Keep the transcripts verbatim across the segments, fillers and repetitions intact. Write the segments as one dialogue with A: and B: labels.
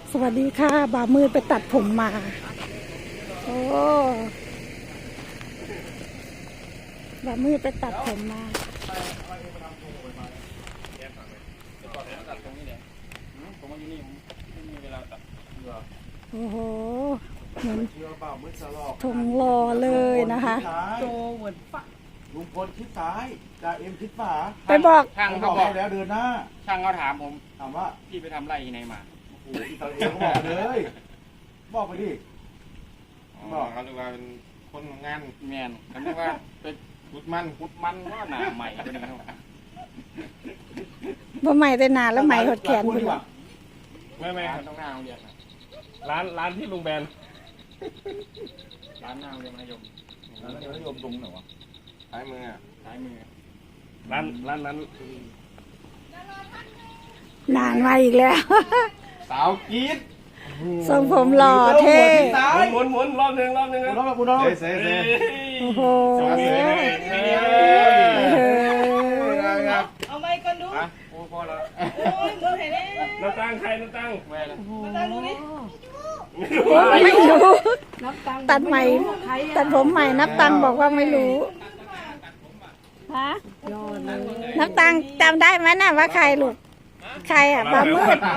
A: สวัสดีค่ะบ่าวมืดไปตัดผมมาโอ้บ่าวมืดไปตัดผมมาโอ้โหเหมือนทงรอเลยนะคะ
B: โจเหมือนปะลุงพลคิดซ้ายจ่าเอ็มคิดขวา
A: ไปบอก
C: ช่างเขาบอก
B: แล้วเดินหน้า
C: ช่างเขาถามผม
B: ถามว่า
C: พี่ไปทำไรที่ไหนมา
B: โอ้โหอิตาเลียนเขาบอกเลยบอกไปดิ
C: บอกเขาเลยว่าเป็นคนงานแมนเขาเรียกว่าเป็นพุดมันพุดมันว่าหนาใหม่เป็นยังไง
A: บ่ใหม่แต่นานแล้วใหม่หดแขนคุณ
C: ไม่ไม่ต้องหน้าโรงเรียน
D: ร้านร้านที่ลุงแบน
C: ร้านหน้าโรงเรียนมัธยม
B: ร้านมัธยมตรงไหนวะ
C: ซ้ายมือซ้ายมือ
D: ร้านร้านนั้น
A: นานมาอีกแล้ว
C: สาวกีด
A: ทรงผมหล่อเท่
D: หมุนหมุนรอบหนึ่งรอบหนึ่ง
B: รอบคุณน้อง
C: เซ่เซ่
A: โอ้โห
E: เอาไม้ก่อนดู
C: โอ้พอแล้ว
E: โอ้ยมือเห็นไหม
D: น้ำตั้งใครน้ำตั้ง
C: แม่ละ
E: น้ำตังดูดิ
A: ไม่รู้ตัดใหม่ตัดผมใหม่นับตังบอกว่าไม่รู้ฮะนับตังจำได้ไหมน่ะว่าใครลูกใครอ่ะบ่าวมืด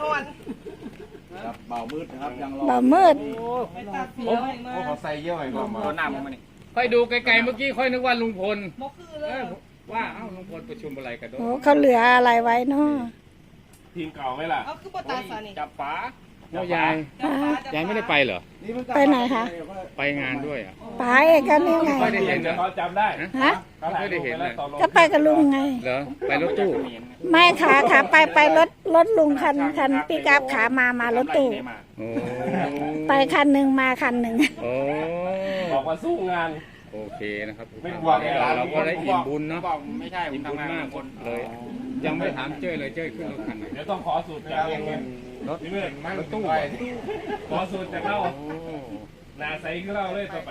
B: เบามืดนะครับยังรอ
A: บ่าวมืด
E: ไปตัดเสีย
C: โอ้
E: ไว้มา
C: เขาใส่เยอะไปก่อนมาโดนหน้ามึงมานี่
D: ค่อยดูไกลๆเมื่อกี้ค่อยนึกว่าลุงพล
E: มกคือเลย
D: ว่าเอ้าลุงพลประชุมอะไรกันด้วย
A: โอ้เขาเหลืออะไรไว้เนาะ
D: ทีมเก่าไหมล่ะ
E: เอาคือปตาสานี่
C: จับฝา
D: แล้วยายยายไม่ได้ไปเหรอ
A: ไปไหนคะ
D: ไปงานด้วยอ่ะ
A: ไปกันนี่ไง
D: ไม่ได้เห็นเหรอเขาจำได้
A: ฮะ
D: ไม่ได้เห็นเลย
A: ก็ไปกับลุงไง
D: เหรอไปรถตู้
A: ไม่ขาขาไปไปรถรถลุงคันคันปิกอัพขามามารถตู้ไปคันหนึ่งมาคันหนึ่ง
D: โอ้บอกว่าสู้งานโอเคนะครับ
C: ไม่บวก
D: เราก็ได้อิ่มบุญเนาะ
C: บอกไม่ใช่ผมทำงานมาก
D: คนเลยยังไม่ถามเจ้ยเลยเจ้ยขึ้นรถคันไหนเดี๋ยวต้องขอสูตรจากรถนี่เมื่อรถตู้ขอสูตรจากเรานาใสคือเราเลยต่อไป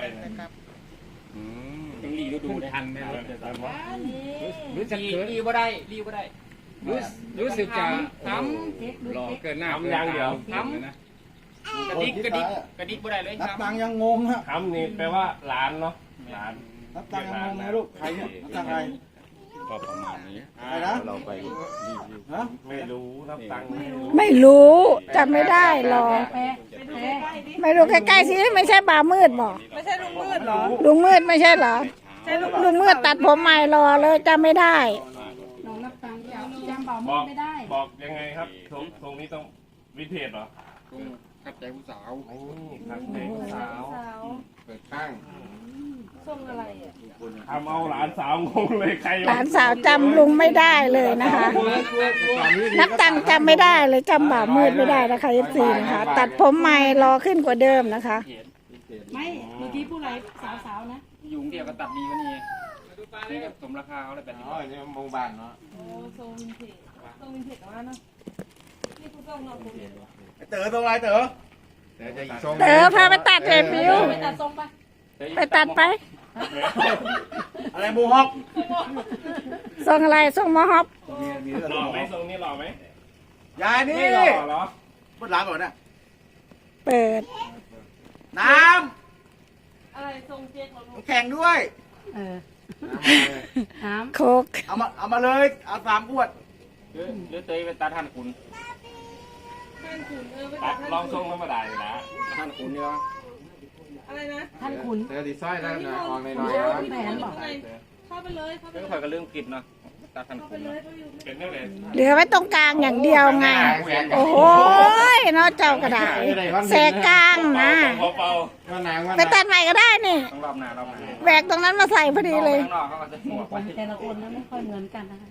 C: ต้องรีดู
D: ทันไหมรถ
C: รู้สึกรีบ่ได้รีบ่ได้
D: รู้รู้สึกจะทำรอเกินหน้าเกินตาทำนะ
C: กระดิกกระดิกกระดิกบ่ได้เลย
B: นับตังยังงงฮะ
D: ทำนี่แปลว่าหลานเนาะหลาน
B: นับตังยังงงนะลูกใครเนี่ยนับตังใคร
D: ก็ประมาณนี้เราไป
B: ฮะ
D: ไม่รู้นับตัง
A: ไม่รู้จำไม่ได้หรอกไม่รู้ใกล้ๆสิไม่ใช่บ่าวมืดบอก
E: ไม่ใช่ลุงมืดหรอ
A: ลุงมืดไม่ใช่เหรอลุงมืดตัดผมใหม่รอเลยจำไม่ได้
E: น้องนับตังจำบ่าวมืดไม่ได้
D: บอกยังไงครับทรงทรงนี้ต้องวิเทศเหรอ
C: ขับใจผู้สาว
D: ขับใจผู้สาว
C: เปิดข้าง
E: ส่งอะไรอ่ะ
D: ทำเอาหลานสาวงงเลยใคร
A: หลานสาวจำลุงไม่ได้เลยนะคะนับตังจำไม่ได้เลยจำบ่าวมืดไม่ได้นะคะเอฟซีนะคะตัดผมใหม่รอขึ้นกว่าเดิมนะคะ
E: ไม่เมื่อกี้ผู้ไรสาวๆนะ
C: ยุงเดียวก็ตัดดีกว่านี้นี่ก็สมราคาเขาเลยแบบนี้อ๋อนี่มงบานเนาะ
E: โอ้ทรงวินเทจทรงวินเทจว่าเนาะนี่คุณต้องนอนผม
B: เต๋อตรงไรเต๋อ
A: เต๋อพาไปตัดเทปิว
E: ไปตัดทรงไป
A: ไปตัดไป
B: อะไรมูฮอก
A: ทรงอะไรทรงมอฮอป
D: หล่อไหมทรงนี้หล่อไหม
B: ยายนี่
D: หล่อเหรอ
B: พูดร้านก่อนนะ
A: เปิด
B: น้
E: ำอะไรทรงเจ๊กเรา
B: แข่งด้วย
A: เออน้ำโคก
B: เอามาเอามาเลยเอาสามขวด
C: หรือเตยเป็นตาท่านคุณ
E: ท่านคุณเออ
D: ตัดลองทรงธรรมดาอยู่นะ
C: ท่านคุณเนี่ย
E: อะไรนะ
A: ท่านคุณ
C: เตยดีไซน์แล้วนะออกหน่อยๆ
E: นะเข้าไปเลยเข้าไปเลย
C: เรื่องข่อยก็เรื่องกินเนาะตาท่านคุณ
D: เป็นเรื่องอะไร
A: เหลือไว้ตรงกลางอย่างเดียวไงโอ้โหเนาะเจ้ากระดาษแสกกลางนะไปตัดใหม่ก็ได้นี่แหวกตรงนั้นมาใส่พอดีเลย
E: แต่ละคนนั้นไม่ค่อยเหมือนกันนะคะ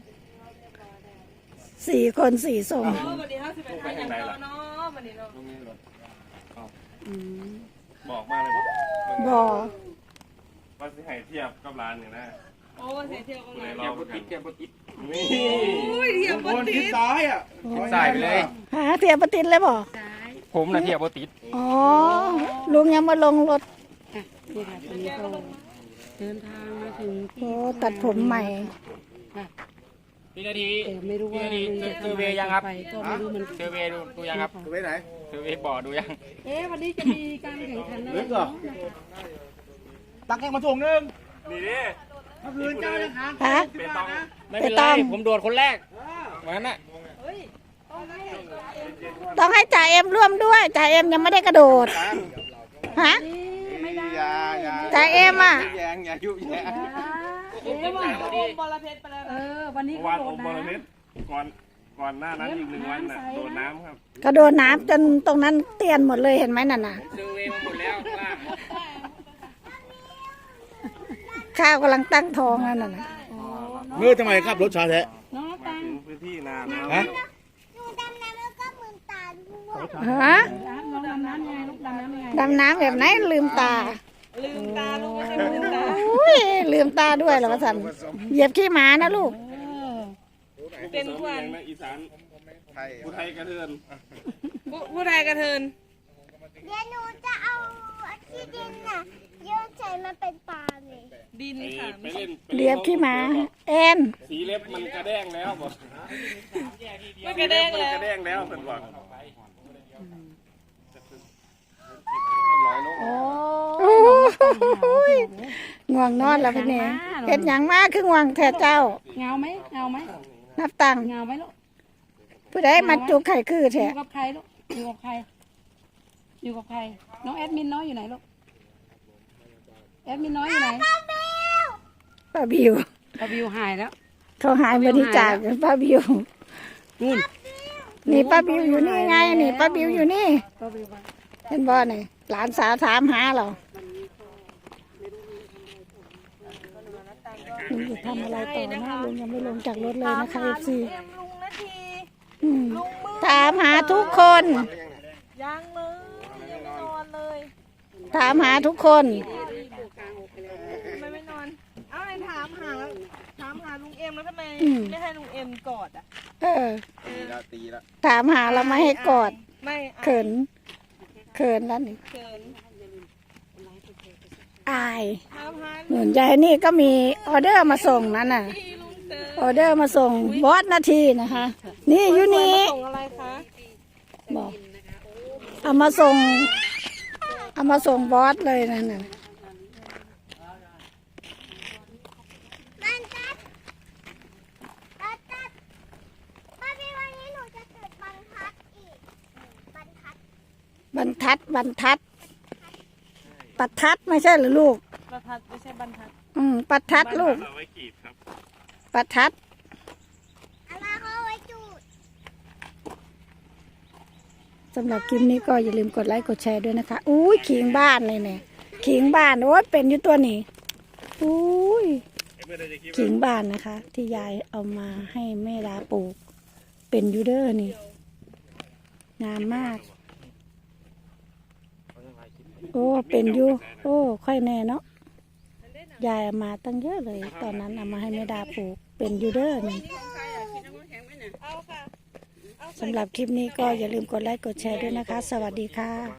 A: สี่คนสี่ทรง
E: วันนี้ห้าสิบเอ็ดอย่างเดียวเนาะวันนี้เนาะ
D: บอกมาเลย
A: บอก
D: ว่าสิให้เทียบกับร้านเนี่ยนะ
E: โอ้เสียเทียบกับร้าน
C: เทียบปุ๊บติดเทียบปุ๊บติด
D: นี่
E: เทียบปุ๊บติด
B: ซ้ายอ่ะ
C: ซ้ายไปเลย
A: หาเทียบปุ๊บติดเลยบอก
C: ผมนะเทียบปุ๊บติด
A: อ๋อลุงยังมาลงรถ
E: นี่ค่ะตอนนี้ก็เดินทางมาถึง
A: โอ้ตัดผมใหม่
D: พี่นาที
F: แต่ไม่รู้ว่า
D: พี่
F: ลุง
D: นาที
F: จะ
D: เซอร์
F: ทำ
D: เว
F: อะไร
D: ย์ยังครับ
F: ไปก็ไม่รู้เหมือน
D: เซอร์เวย์ดูดูยังครับ
B: ไปไหน
D: เซอร์เวย์บ่อดูยัง
F: เอ๊ะวันนี้จะมีการแข่งขันอะไร
B: เล็กเหรอ
F: เนาะ
B: ตักแกงมาถุงนึง
D: นี่ดิ
B: เมื่อคืนเจ้ายังหาง
A: ฮะ
D: เป็นต้องไม่
A: ไป
D: เป็น
A: ต้
D: ไร
A: อง
D: ผมโดดคนแรกวันนั้นน่ะ
A: ต้องให้จ่าเอ็มร่วมด้วยจ่าเอ็มยังไม่ได้กระโดดฮะ
F: ไม่ได้
B: อย่าอย่า
A: จ่าเอ็มอ่ะ
B: แยงอย่ายุแยง
F: เอ๊ะว่า
E: โอมบอลเพชรไปแล้ว
F: เอ
E: นะ
F: อวันนี้
D: วา
F: เขา
D: น
F: โด
D: โอ
F: ด
D: มบอลเม็ด
F: น้ำ
D: ก่อนก่อนหน้านั้นอีกหนึ่งวันน่ะโดดน้ำครับ
A: กระโดดน้ำจนตรงนั้นเตียนหมดเลยเห็นไหมนั่นน่ะ
D: เซอร์เวย์มาหมดแล้วล่าง
A: ข้าวกำลังตั้งท้องแล้วนั่นน่ะ
B: เมื่อทำไมครับรถชาแท้
F: เนาะตัง
D: ถึงพื้นที่นาแล้ว
B: ฮะ
A: ฮะ
F: น้ำน้องดำน้ำไงลูกดำน้ำไง
A: ดำน้ำแบบไหนลืมตา
E: ลืมตาลูกไม่ใช่ลืมตา
A: อุ้ยลืมตาด้วยเหรอวะสันเหยียบขี้หมานะลูก
F: เออ
E: เป็นควัน
D: อีสานผู้ไทยกระเทือน
E: ผู้ผู้ใดกระเทิน
G: เดี๋ยวหนูจะเอาที่ดินน่ะโยนใส่มาเป็นปลาเลย
E: ดิน
D: ไป
E: ค่ะ
D: ไปเล่น
A: เหยียบขี้หมาแอน
D: สีเล็บมันกระแด้งแล้วบอก
E: ไม่กระเด้ง
D: มัน
E: แล้
D: ก
E: ว
D: ระแด้งแล้วเพิ่นบอกร้อยโล
A: โอ้ยง่วงนอนแล้วพี่เนี่ยเห็นอย่างมากคือง่วงแท้เจ้า
F: เงาไหมเงาไหม
A: นับตังค์
F: เงาไหมลูก
A: ผู้ใดมาจุกไข่คือ
F: อ
A: แท้
F: ยู่กับใครลูกอยู่กับใคร อยู่กับใคร น้องแอดมินน้อยอยู่ไหนลูกแอดมินน้อยอยู่ไหน
A: ป้าบิว
F: พอวิวหายแล้ว
A: เขาหายบริจาคป้าบิว
F: นู่น
A: นี่ป้าบิวอยู่นี่ไงนี่ป้าบิวอยู่นี่
F: พอวิวมา
A: เห็นบ่นี่หลานสาวถามหาเราลุงจะทำอะไรต่อนะลุงยังไม่ลงจากรถเลยนะคะเอฟซี
E: เอ็มลุงนาที
A: ถามหาทุกคน
E: ยังเลยยังไม่นอนเลย
A: ถามหาทุกคน
E: ทำไมไม่นอน เอ้าไอ้ถามหาถามหาลุงเอ็มแล้วทำไมไม่ให้ลุงเอ็มกอดอ่ะ
A: เออ
B: ตีละตีละ
A: ถามหาเราไม่ให้กอด
E: ไม่อาย
A: เขินเขินแล้วนี่
E: เขิน
A: อาย
E: ถามหา
A: หนุนยายนี่ก็มีออเดอร์มาส่งนั่นน่ะ
E: พี่ลุงเตอ
A: ออเดอร์มาส่งบอสนาทีนะคะ นี่อยู่นี่
E: ส่งอะไรคะ
A: บอกเอามาส่ง เอามาส่งบอสเลยนั่นน่ะ
G: บันทัดบันทัดป้าพี่วันนี้หนูจะเกิดบันทัดอีกบันทัด
A: บรรทัดบรรทัดปัดทัดไม่ใช่เหรือลูก
E: ประทัดไม่ใช่บรรทัด
A: อืมปัดทัดลูก
D: เอาไว้กีดครับ
A: ปัดทัด
G: เอามาเขาไว้จูด
A: สำหรับคลิปนี้ก็อย่าลืมกดไลค์กดแชร์ด้วยนะคะอุ้ยขิงบ้านเลยเนี่ยขิงบ้านโอ้ยเป็นอยู่ตัวนี้อุ้ยขิงบ้านนะคะ ที่ยายเอามาให้แม่ดาปลูก เป็นอยูเดอร์นี่งามมาก โอ้เป็นอยู่โอ้ค่อยแน่เนาะยายเอามาตั้งเยอะเลย ตอนนั้นเอามาให้แม่ดาปลูก เป็นอยูเดอร์นี่
E: เอาค่ะ
A: สำหรับคลิปนี้ก็อย่าลืมกดไลค์กดแชร์ด้วยนะคะ สวัสดีค่ะ